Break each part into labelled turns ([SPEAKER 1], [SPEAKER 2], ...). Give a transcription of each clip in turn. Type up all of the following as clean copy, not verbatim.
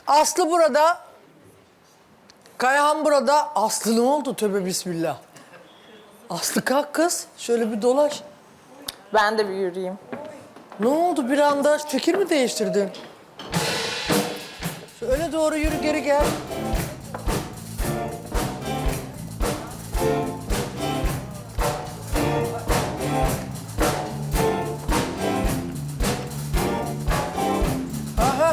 [SPEAKER 1] Aslı burada. Kayahan burada. Aslı ne oldu? Tövbe bismillah. Aslı kalk kız. Şöyle bir dolaş.
[SPEAKER 2] Ben de bir yürüyeyim.
[SPEAKER 1] Ne oldu bir anda? Fikir mi değiştirdin? Şöyle doğru yürü, geri gel. Aha.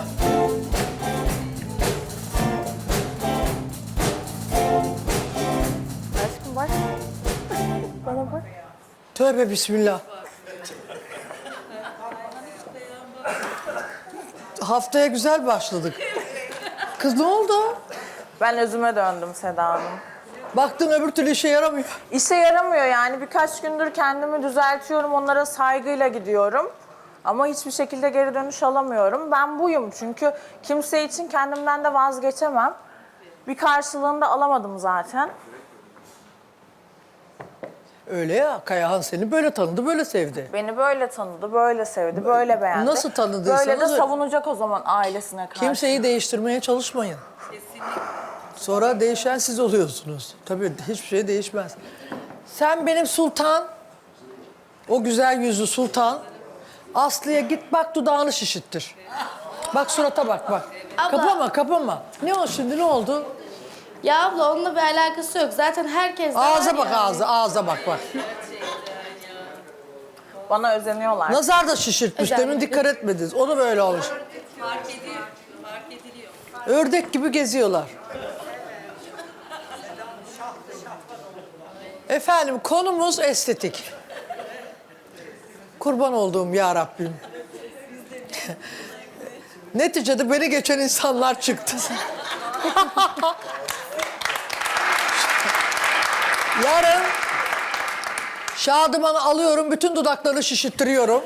[SPEAKER 2] Aşkım bak. Bana bak.
[SPEAKER 1] Tövbe bismillah. Haftaya güzel başladık. Kız ne oldu?
[SPEAKER 2] Ben özüme döndüm Seda Hanım.
[SPEAKER 1] Baktın öbür türlü işe yaramıyor.
[SPEAKER 2] İşe yaramıyor yani. Birkaç gündür kendimi düzeltiyorum. Onlara saygıyla gidiyorum. Ama hiçbir şekilde geri dönüş alamıyorum. Ben buyum çünkü kimse için kendimden de vazgeçemem. Bir karşılığını da alamadım zaten.
[SPEAKER 1] Öyle ya, Kayahan seni böyle tanıdı, böyle sevdi.
[SPEAKER 2] Beni böyle tanıdı, böyle sevdi, böyle beğendi.
[SPEAKER 1] Nasıl tanıdıysanız
[SPEAKER 2] Böyle de
[SPEAKER 1] öyle.
[SPEAKER 2] savunacak o zaman ailesine karşı.
[SPEAKER 1] Kimseyi değiştirmeye çalışmayın. Sonra değişen siz oluyorsunuz. Tabii hiçbir şey değişmez. Sen benim sultan, o güzel yüzlü sultan, Aslı'ya git bak dudağını şişittir. Bak surata bak bak.
[SPEAKER 3] Abla.
[SPEAKER 1] Kapama kapama. Ne o şimdi, ne oldu?
[SPEAKER 3] Ya abla onunla bir alakası yok. Zaten herkes de
[SPEAKER 1] Ağza
[SPEAKER 3] var
[SPEAKER 1] bak,
[SPEAKER 3] yani.
[SPEAKER 1] ağza bak bak.
[SPEAKER 2] Bana özeniyorlar.
[SPEAKER 1] Nazar da şişirtmiş,
[SPEAKER 3] Özellikle.
[SPEAKER 1] demin dikkat etmediniz. Onu böyle olmuş.
[SPEAKER 4] Fark ediliyor.
[SPEAKER 1] Ördek gibi geziyorlar. Efendim konumuz estetik. Kurban olduğum ya Rabbim. Neticede beni geçen insanlar çıktı. Yarın Şadıman'ı alıyorum, bütün dudaklarını şişittiriyorum.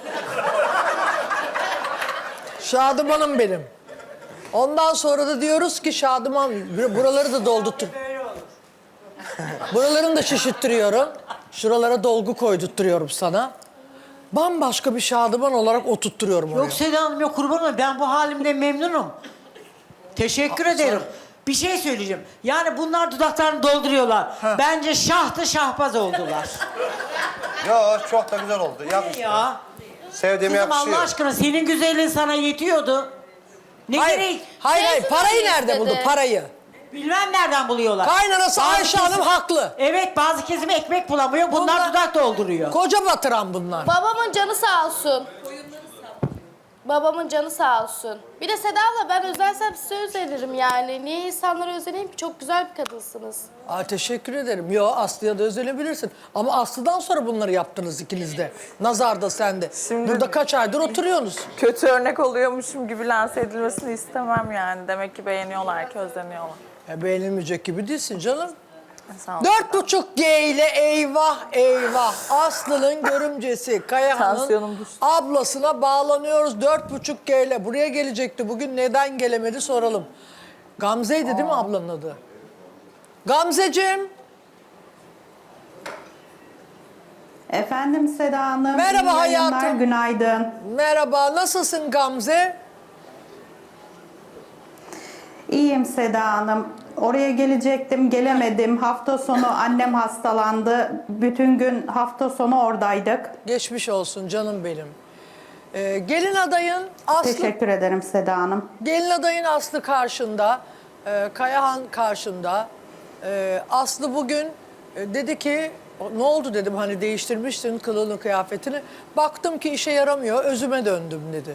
[SPEAKER 1] Şadıman'ım benim. Ondan sonra da diyoruz ki Şadıman, buraları da doldurtur. Buralarını da şişittiriyorum. Şuralara dolgu koydurtturuyorum sana. Bambaşka bir Şadıman olarak oturtturuyorum oraya.
[SPEAKER 5] Yok Seda Hanım, yok kurban olayım. Ben bu halimden memnunum. Teşekkür ederim. Bir şey söyleyeceğim. Yani bunlar dudaklarını dolduruyorlar. Bence şahtı şahbaz oldular.
[SPEAKER 6] Ya çok da güzel oldu. Yakıştı.
[SPEAKER 5] Ya.
[SPEAKER 6] Sevdiğime
[SPEAKER 5] Kızım
[SPEAKER 6] yakışıyor.
[SPEAKER 5] Allah aşkına senin güzelliğin sana yetiyordu. Ne gerek?
[SPEAKER 1] Hayır, parayı
[SPEAKER 3] Teyze
[SPEAKER 1] nerede buldu,
[SPEAKER 3] istedi.
[SPEAKER 1] parayı?
[SPEAKER 5] Bilmem nereden buluyorlar.
[SPEAKER 1] Kaynanası
[SPEAKER 5] Bazı
[SPEAKER 1] Ayşe Hanım
[SPEAKER 5] kesim-
[SPEAKER 1] haklı.
[SPEAKER 5] Evet, bazı kesim ekmek bulamıyor. Bunlar
[SPEAKER 1] Bunlar-
[SPEAKER 5] dudak dolduruyor.
[SPEAKER 1] Koca batıran bunlar.
[SPEAKER 3] Babamın canı sağ olsun. Babamın canı sağ olsun. Bir de Seda abla ben özelsem size özenirim yani. Niye insanlara özeneyim ki? Çok güzel bir kadınsınız.
[SPEAKER 1] Aa, teşekkür ederim. Yo, Aslı'ya da özlenebilirsin. Ama Aslı'dan sonra bunları yaptınız ikiniz de. Nazar da sen de.
[SPEAKER 2] Şimdi-
[SPEAKER 1] Burada kaç aydır oturuyorsunuz.
[SPEAKER 2] Kötü örnek oluyormuşum gibi lanse edilmesini istemem yani. Demek ki beğeniyorlar ki özleniyorlar.
[SPEAKER 1] Beğenilmeyecek gibi değilsin canım.
[SPEAKER 2] Sağ ol.
[SPEAKER 1] 4,5G ile eyvah eyvah. Aslı'nın görümcesi Kayahan'ın
[SPEAKER 2] Tansiyonum düştü.
[SPEAKER 1] ablasına bağlanıyoruz 4,5G ile. Buraya gelecekti bugün, neden gelemedi soralım. Gamze'ydi değil mi ablanın adı? Gamzeciğim.
[SPEAKER 7] Efendim Seda Hanım.
[SPEAKER 1] Merhaba
[SPEAKER 7] iyi yayınlar,
[SPEAKER 1] hayatım.
[SPEAKER 7] Günaydın.
[SPEAKER 1] Merhaba, nasılsın Gamze?
[SPEAKER 7] İyiyim Seda Hanım. Oraya gelecektim, gelemedim. Hafta sonu annem hastalandı. Bütün gün hafta sonu oradaydık.
[SPEAKER 1] Geçmiş olsun canım benim. Gelin adayın Aslı,
[SPEAKER 7] Teşekkür ederim Seda Hanım.
[SPEAKER 1] gelin adayın Aslı karşında, Kayahan karşında. Aslı bugün dedi ki, ne oldu dedim, hani değiştirmiştin kılığını kıyafetini. Baktım ki işe yaramıyor, özüme döndüm dedi.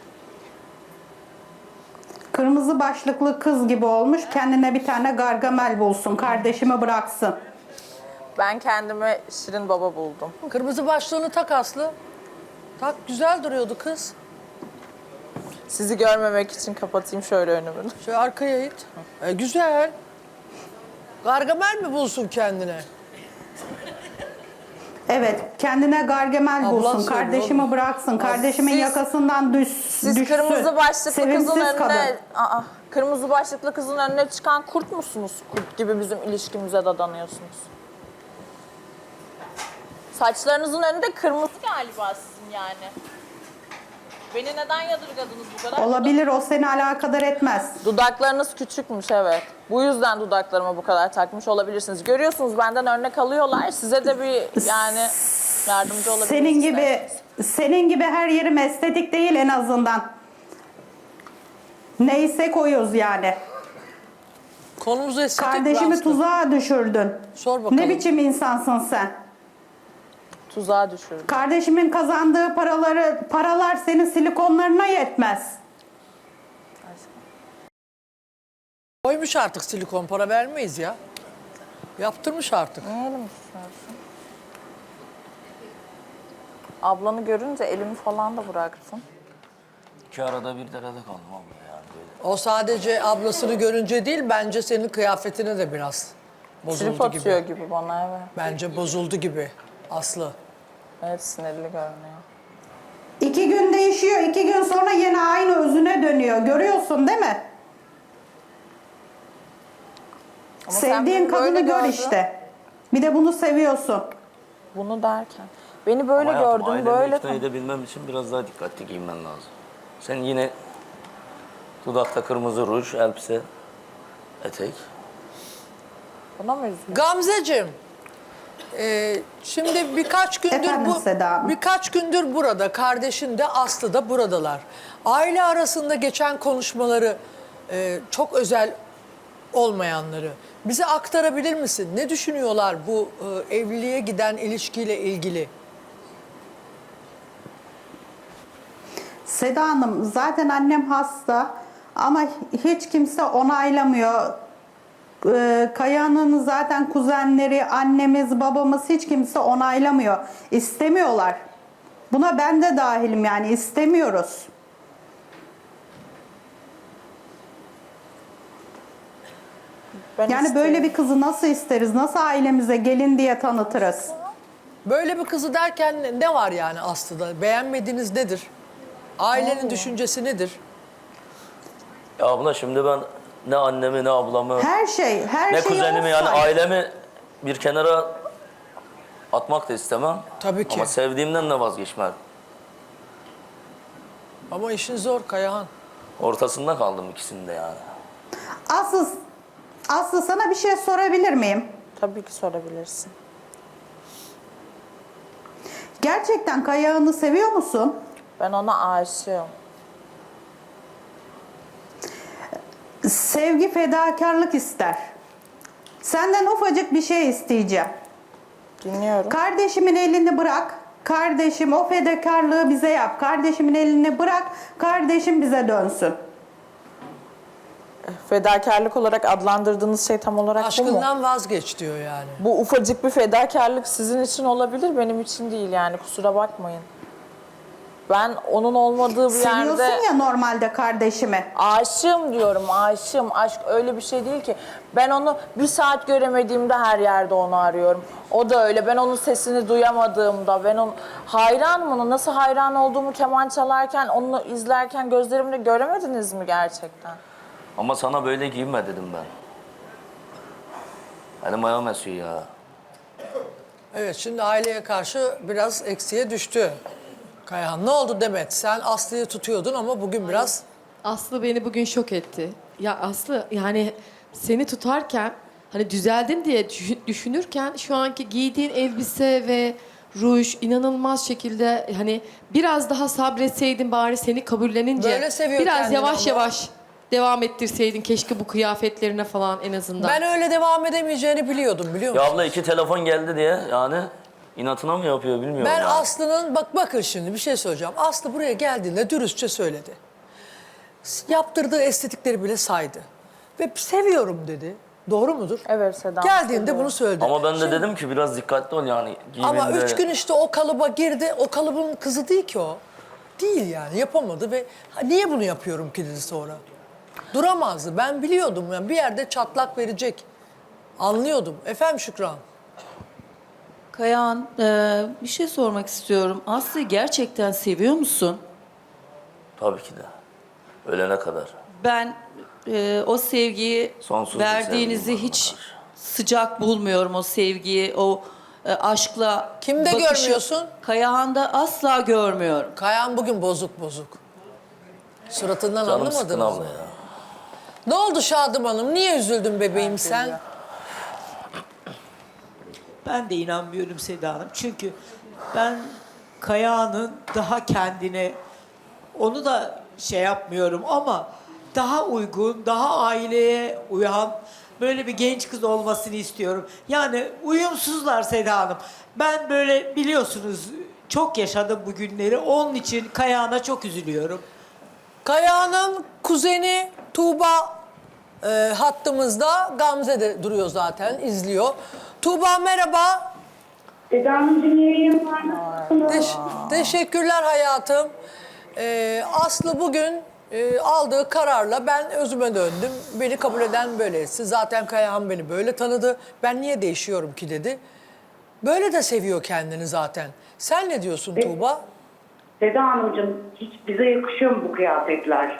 [SPEAKER 7] Kırmızı başlıklı kız gibi olmuş. Kendine bir tane Gargamel bulsun. Kardeşimi bıraksın.
[SPEAKER 2] Ben kendime Şirin Baba buldum.
[SPEAKER 1] Kırmızı başlığını tak Aslı. Tak, güzel duruyordu kız.
[SPEAKER 2] Sizi görmemek için kapatayım şöyle önümü.
[SPEAKER 1] Şöyle arkaya it. Güzel. Gargamel mi bulsun kendine?
[SPEAKER 7] Evet, kendine Gargamel
[SPEAKER 1] Ablan
[SPEAKER 7] bulsun.
[SPEAKER 1] söylüyor
[SPEAKER 7] Kardeşimi
[SPEAKER 1] oğlum.
[SPEAKER 7] bıraksın. Kardeşimin
[SPEAKER 2] Siz-
[SPEAKER 7] yakasından
[SPEAKER 2] Siz
[SPEAKER 7] düşsün.
[SPEAKER 2] kırmızı başlıklı
[SPEAKER 7] Sevimsiz
[SPEAKER 2] kızın önüne...
[SPEAKER 7] kadın.
[SPEAKER 2] Kırmızı başlıklı kızın önüne çıkan kurt musunuz? Kurt gibi bizim ilişkimize dadanıyorsunuz. Saçlarınızın önünde kırmızı galiba sizin yani. Beni neden yadırgadınız bu kadar?
[SPEAKER 7] Olabilir, o seni alakadar etmez.
[SPEAKER 2] Dudaklarınız küçükmüş, evet. Bu yüzden dudaklarıma bu kadar takmış olabilirsiniz. Görüyorsunuz, benden örnek alıyorlar. Size de bir yani yardımcı olabilirsiniz.
[SPEAKER 7] Senin gibi her yerim estetik değil en azından. Neyse koyuyoruz yani.
[SPEAKER 1] Konumuz estetik.
[SPEAKER 7] Kardeşimi
[SPEAKER 1] Aslı.
[SPEAKER 7] tuzağa düşürdün.
[SPEAKER 1] Sor bakalım.
[SPEAKER 7] Ne biçim insansın sen?
[SPEAKER 2] Tuzağa düşürdüm.
[SPEAKER 7] Kardeşimin kazandığı paralar senin silikonlarına yetmez.
[SPEAKER 1] Koymuş artık silikon, para vermeyiz ya. Yaptırmış artık.
[SPEAKER 2] Niye elimi tutuyorsun? Ablanı görünce elimi falan da bıraktın.
[SPEAKER 8] İki arada bir derede kaldım abla yani böyle.
[SPEAKER 1] O sadece ablasını görünce değil, bence senin kıyafetine de biraz
[SPEAKER 2] Trip
[SPEAKER 1] bozuldu
[SPEAKER 2] atıyor
[SPEAKER 1] gibi.
[SPEAKER 2] gibi bana, evet.
[SPEAKER 1] Bence bozuldu gibi Aslı.
[SPEAKER 2] Evet, sinirli görünüyor.
[SPEAKER 7] 2 gün değişiyor, 2 gün sonra yine aynı özüne dönüyor. Görüyorsun değil mi?
[SPEAKER 2] Ama sen
[SPEAKER 7] Sevdiğin
[SPEAKER 2] beni böyle
[SPEAKER 7] kadını gör
[SPEAKER 2] gördün.
[SPEAKER 7] işte. Bir de bunu seviyorsun.
[SPEAKER 2] Bunu derken. Beni böyle
[SPEAKER 8] Ama hayatım,
[SPEAKER 2] gördün,
[SPEAKER 8] ailemi
[SPEAKER 2] böyle...
[SPEAKER 8] ikna edebilmem için biraz daha dikkatli giyinmen lazım. Sen yine dudakta kırmızı ruj, elbise, etek.
[SPEAKER 2] Buna mı üzgün?
[SPEAKER 1] Gamzeciğim, şimdi
[SPEAKER 7] Efendim Seda Hanım?
[SPEAKER 1] birkaç gündür burada, kardeşin de Aslı da buradalar. Aile arasında geçen konuşmaları, çok özel olmayanları bize aktarabilir misin? Ne düşünüyorlar bu evliliğe giden ilişkiyle ilgili?
[SPEAKER 7] Seda Hanım, zaten annem hasta ama hiç kimse onaylamıyor. Kaya'nın zaten kuzenleri, annemiz, babamız hiç kimse onaylamıyor. İstemiyorlar. Buna ben de dahilim, yani istemiyoruz.
[SPEAKER 2] Ben
[SPEAKER 7] Yani böyle
[SPEAKER 2] istiyorum.
[SPEAKER 7] bir kızı nasıl isteriz? Nasıl ailemize gelin diye tanıtırız?
[SPEAKER 1] Böyle bir kızı derken ne var yani Aslı'da? Beğenmediğiniz nedir? Ailenin düşüncesi nedir?
[SPEAKER 8] Ya abla şimdi ben ne annemi ne ablamı
[SPEAKER 7] Her şey
[SPEAKER 8] ne
[SPEAKER 7] şey
[SPEAKER 8] kuzenimi yani
[SPEAKER 7] olsaydı.
[SPEAKER 8] ailemi bir kenara atmak da istemem.
[SPEAKER 1] Tabii ki.
[SPEAKER 8] Ama sevdiğimden de vazgeçmem.
[SPEAKER 1] Ama işin zor Kayahan.
[SPEAKER 8] Ortasında kaldım ikisinde yani.
[SPEAKER 7] Aslı, sana bir şey sorabilir miyim?
[SPEAKER 2] Tabii ki sorabilirsin.
[SPEAKER 7] Gerçekten Kaya'nı seviyor musun?
[SPEAKER 2] Ben ona aşığım.
[SPEAKER 7] Sevgi fedakarlık ister. Senden ufacık bir şey isteyeceğim.
[SPEAKER 2] Dinliyorum.
[SPEAKER 7] Kardeşimin elini bırak. Kardeşim o fedakarlığı bize yap. Kardeşimin elini bırak. Kardeşim bize dönsün.
[SPEAKER 2] Fedakarlık olarak adlandırdığınız şey tam olarak bu mu?
[SPEAKER 1] Aşkından vazgeç diyor yani.
[SPEAKER 2] Bu ufacık bir fedakarlık sizin için olabilir, benim için değil yani, kusura bakmayın. Ben onun olmadığı bir
[SPEAKER 7] Seviyorsun
[SPEAKER 2] yerde
[SPEAKER 7] ya normalde kardeşimi.
[SPEAKER 2] aşığım diyorum, aşığım. Aşk öyle bir şey değil ki. Ben onu bir saat göremediğimde her yerde onu arıyorum. O da öyle. Ben onun sesini duyamadığımda, ben onun hayranım ona. Nasıl hayran olduğumu keman çalarken, onu izlerken gözlerimle göremediniz mi gerçekten?
[SPEAKER 8] Ama sana böyle giyinme dedim ben. Elim ayağım esiyor ya.
[SPEAKER 1] Evet, şimdi aileye karşı biraz eksiğe düştü. Kayahan, ne oldu Demet? Sen Aslı'yı tutuyordun ama bugün biraz...
[SPEAKER 9] Aslı beni bugün şok etti. Ya Aslı, yani seni tutarken hani düzeldin diye düşünürken şu anki giydiğin elbise ve ruj inanılmaz şekilde, hani biraz daha sabretseydin bari seni kabullenince.
[SPEAKER 1] Böyle seviyor
[SPEAKER 9] biraz
[SPEAKER 1] kendini
[SPEAKER 9] yavaş
[SPEAKER 1] ama.
[SPEAKER 9] yavaş devam ettirseydin keşke bu kıyafetlerine falan en azından.
[SPEAKER 1] Ben öyle devam edemeyeceğini biliyordum, biliyor
[SPEAKER 8] Ya
[SPEAKER 1] musun?
[SPEAKER 8] abla 2 telefon geldi diye yani inatına mı yapıyor bilmiyorum
[SPEAKER 1] Ben
[SPEAKER 8] ya.
[SPEAKER 1] Aslı'nın, bakın şimdi bir şey söyleyeceğim. Aslı buraya geldiğinde dürüstçe söyledi. Yaptırdığı estetikleri bile saydı. Ve seviyorum dedi. Doğru mudur?
[SPEAKER 2] Evet Seda.
[SPEAKER 1] Geldiğinde bunu söyledi.
[SPEAKER 8] Ama ben de dedim ki biraz dikkatli ol yani giyiminde.
[SPEAKER 1] Ama 3 gün işte o kalıba girdi. O kalıbın kızı değil ki o. Değil yani, yapamadı ve niye bunu yapıyorum ki dedi sonra. Duramazdı. Ben biliyordum yani bir yerde çatlak verecek. Anlıyordum. Efendim Şükran.
[SPEAKER 10] Kayahan, bir şey sormak istiyorum. Aslı'yı gerçekten seviyor musun?
[SPEAKER 8] Tabii ki de. Ölene kadar.
[SPEAKER 10] Ben o sevgiyi
[SPEAKER 8] Sonsuz bir
[SPEAKER 10] verdiğinizi
[SPEAKER 8] sevgim var
[SPEAKER 10] hiç
[SPEAKER 8] ona karşı.
[SPEAKER 10] sıcak bulmuyorum, o sevgiyi, o aşkla
[SPEAKER 1] Kimde
[SPEAKER 10] bakışı.
[SPEAKER 1] görmüyorsun?
[SPEAKER 10] Kayahan'da asla görmüyorum.
[SPEAKER 1] Kayan bugün bozuk bozuk. Suratından
[SPEAKER 8] Canım sıkkın
[SPEAKER 1] anlamadınız
[SPEAKER 8] abla
[SPEAKER 1] mı?
[SPEAKER 8] ya.
[SPEAKER 1] Ne oldu Şadım Hanım? Niye üzüldün bebeğim sen?
[SPEAKER 5] Ben de inanmıyorum Seda Hanım. Çünkü ben Kaya'nın daha kendine, onu da şey yapmıyorum ama daha uygun, daha aileye uyan böyle bir genç kız olmasını istiyorum. Yani uyumsuzlar Seda Hanım. Ben böyle biliyorsunuz çok yaşadım bu günleri. Onun için Kaya'na çok üzülüyorum.
[SPEAKER 1] Kaya'nın kuzeni Tuğba hattımızda. Gamze de duruyor zaten, izliyor. Tuğba merhaba.
[SPEAKER 11] Seda Hanımcığım yayın var mı?
[SPEAKER 1] Teşekkürler hayatım. Aslı bugün aldığı kararla ben özüme döndüm. Beni kabul eden böylesi. Zaten Kayahan beni böyle tanıdı. Ben niye değişiyorum ki dedi. Böyle de seviyor kendini zaten. Sen ne diyorsun Tuğba?
[SPEAKER 11] Seda Hanımcığım hiç bize yakışıyor mu bu kıyafetler?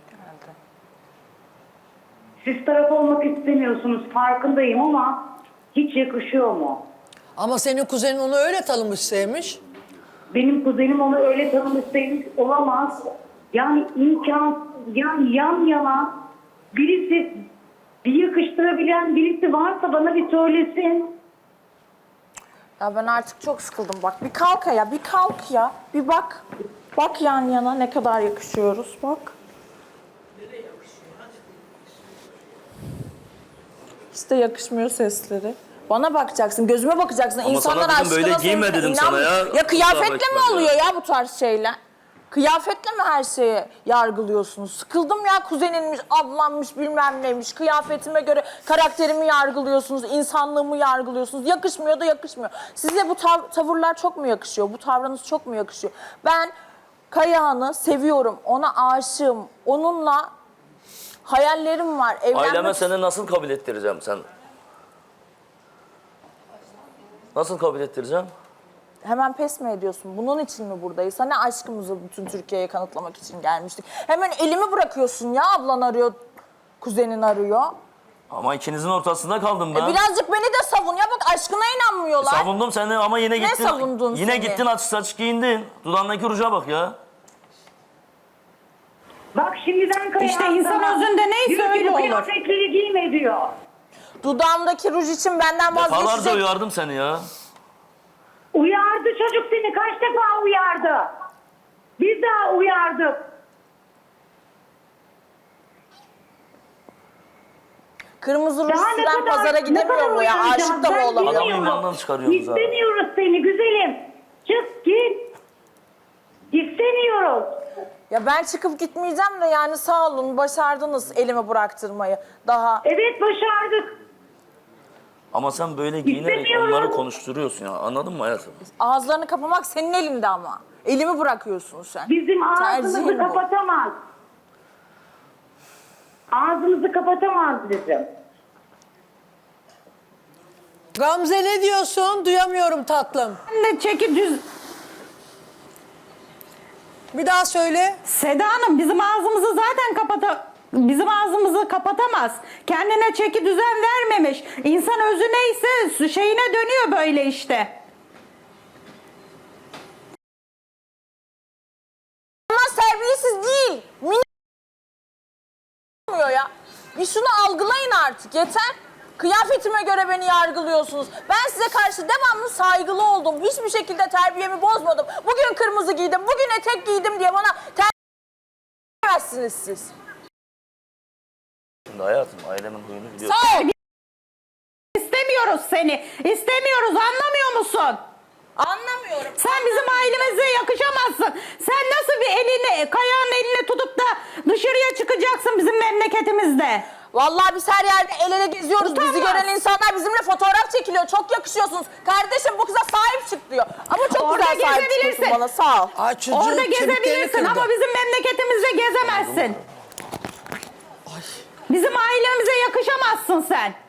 [SPEAKER 11] Siz taraf olmak istemiyorsunuz farkındayım ama hiç yakışıyor mu?
[SPEAKER 1] Ama senin kuzenin onu öyle tanımış, sevmiş.
[SPEAKER 11] Benim kuzenim onu öyle tanımış sevmiş olamaz. Yani yani yan yana birisi bir yakıştırabilen birisi varsa bana bir söylesin.
[SPEAKER 2] Ya ben artık çok sıkıldım bak. Bir kalk ya, bir kalk ya. Bir bak. Bak yan yana ne kadar yakışıyoruz bak. İşte yakışmıyor sesleri. Bana bakacaksın, gözüme bakacaksın.
[SPEAKER 8] Ama
[SPEAKER 2] İnsanlar
[SPEAKER 8] sana dedim, böyle
[SPEAKER 2] aşkına
[SPEAKER 8] giyme
[SPEAKER 2] sevgine
[SPEAKER 8] dedim sana
[SPEAKER 2] inanmıyor.
[SPEAKER 8] ya.
[SPEAKER 2] Ya kıyafetle mi
[SPEAKER 8] Kusura bakma
[SPEAKER 2] oluyor
[SPEAKER 8] ya.
[SPEAKER 2] ya bu tarz şeyler? Kıyafetle mi her şeyi yargılıyorsunuz? Sıkıldım ya kuzeninmiş, ablammış, bilmem neymiş. Kıyafetime göre karakterimi yargılıyorsunuz, insanlığımı yargılıyorsunuz. Yakışmıyor da yakışmıyor. Size bu tavırlar çok mu yakışıyor? Bu tavrınız çok mu yakışıyor? Ben Kayahan'ı seviyorum, ona aşığım. Onunla hayallerim var.
[SPEAKER 8] Aileme seni nasıl kabul ettireceğim sen? Nasıl kabul ettireceğim?
[SPEAKER 2] Hemen pes mi ediyorsun? Bunun için mi buradayız? Hani aşkımızı bütün Türkiye'ye kanıtlamak için gelmiştik. Hemen elimi bırakıyorsun ya, ablan arıyor, kuzenin arıyor.
[SPEAKER 8] Ama ikinizin ortasında kaldım ben.
[SPEAKER 2] Birazcık beni de savun ya, bak aşkına inanmıyorlar.
[SPEAKER 8] Savundum seni ama yine
[SPEAKER 2] Ne
[SPEAKER 8] gittin.
[SPEAKER 2] savundun
[SPEAKER 8] Yine
[SPEAKER 2] seni?
[SPEAKER 8] gittin açık giyindin. Dudağındaki ruja bak ya.
[SPEAKER 11] Bak şimdiden Kayahan
[SPEAKER 7] İşte insan
[SPEAKER 11] sana
[SPEAKER 7] özünde neyse
[SPEAKER 11] diyor ki,
[SPEAKER 7] öyle
[SPEAKER 11] bu
[SPEAKER 7] olur.
[SPEAKER 11] kıyafetleri giyme diyor.
[SPEAKER 2] Dudağımdaki ruj için benden
[SPEAKER 8] Defalarca
[SPEAKER 2] vazgeçecek.
[SPEAKER 8] uyardım seni ya.
[SPEAKER 11] Uyardı çocuk seni kaç defa uyardı. Biz daha uyardık.
[SPEAKER 2] Kırmızı ruj
[SPEAKER 11] Daha ne
[SPEAKER 2] süren
[SPEAKER 11] kadar,
[SPEAKER 2] pazara
[SPEAKER 11] ne
[SPEAKER 2] gidemiyor
[SPEAKER 11] kadar
[SPEAKER 2] mu ya?
[SPEAKER 11] uyaracağız?
[SPEAKER 2] Aşık da mı
[SPEAKER 11] Ben
[SPEAKER 2] olamıyor?
[SPEAKER 8] Adamı
[SPEAKER 11] bilmiyorum.
[SPEAKER 8] imandan çıkarıyorsunuz ha.
[SPEAKER 11] İstemiyoruz seni güzelim. Çık git. İstemiyoruz.
[SPEAKER 2] Ya ben çıkıp gitmeyeceğim de yani sağ olun başardınız elimi bıraktırmayı. Daha
[SPEAKER 11] Evet başardık.
[SPEAKER 8] Ama sen böyle giyinerek
[SPEAKER 11] İstemiyorum.
[SPEAKER 8] onları konuşturuyorsun ya. Anladın mı hayatım?
[SPEAKER 2] ağızlarını kapamak senin elinde ama. Elimi bırakıyorsun sen.
[SPEAKER 11] Bizim ağzımızı
[SPEAKER 2] Tercihin bu.
[SPEAKER 11] kapatamaz. Ağzımızı kapatamaz bizim.
[SPEAKER 1] Gamze ne diyorsun? Duyamıyorum tatlım.
[SPEAKER 7] Ne çeki düz...
[SPEAKER 1] Bir daha söyle.
[SPEAKER 7] Seda Hanım bizim ağzımızı zaten bizim ağzımızı kapatamaz. Kendine çeki düzen vermemiş. İnsan özü neyse şeyine dönüyor böyle işte.
[SPEAKER 2] Ama terbiyesiz değil. Olmuyor ya. Bir şunu algılayın artık yeter. Kıyafetime göre beni yargılıyorsunuz. Ben size karşı devamlı saygılı oldum. Hiçbir şekilde terbiyemi bozmadım. Bugün kırmızı giydim, bugün etek giydim diye bana terbiyemezsiniz siz.
[SPEAKER 8] Şimdi hayatım ailemin huyunu biliyorsun.
[SPEAKER 2] Sağ ol.
[SPEAKER 7] İstemiyoruz seni. İstemiyoruz, anlamıyor musun?
[SPEAKER 2] Anlamıyorum.
[SPEAKER 7] Sen bizim ailemize yakışamazsın. Sen nasıl bir elini, Kaya'nın elini tutup da dışarıya çıkacaksın bizim memleketimizde?
[SPEAKER 2] Vallahi biz her yerde el ele geziyoruz.
[SPEAKER 7] Utanmaz.
[SPEAKER 2] Bizi gören insanlar bizimle fotoğraf çekiliyor. Çok yakışıyorsunuz. Kardeşim bu kıza sahip çık diyor. Ama çok
[SPEAKER 7] Orada
[SPEAKER 2] güzel sahip çıkıyorsun
[SPEAKER 7] gezebilirsin.
[SPEAKER 2] bana. Sağ ol.
[SPEAKER 1] Ay çocuğun
[SPEAKER 7] Orada
[SPEAKER 1] kemiklerini
[SPEAKER 7] gezebilirsin
[SPEAKER 1] kırdı.
[SPEAKER 7] ama bizim memleketimizde gezemezsin. Bizim ailemize yakışamazsın sen.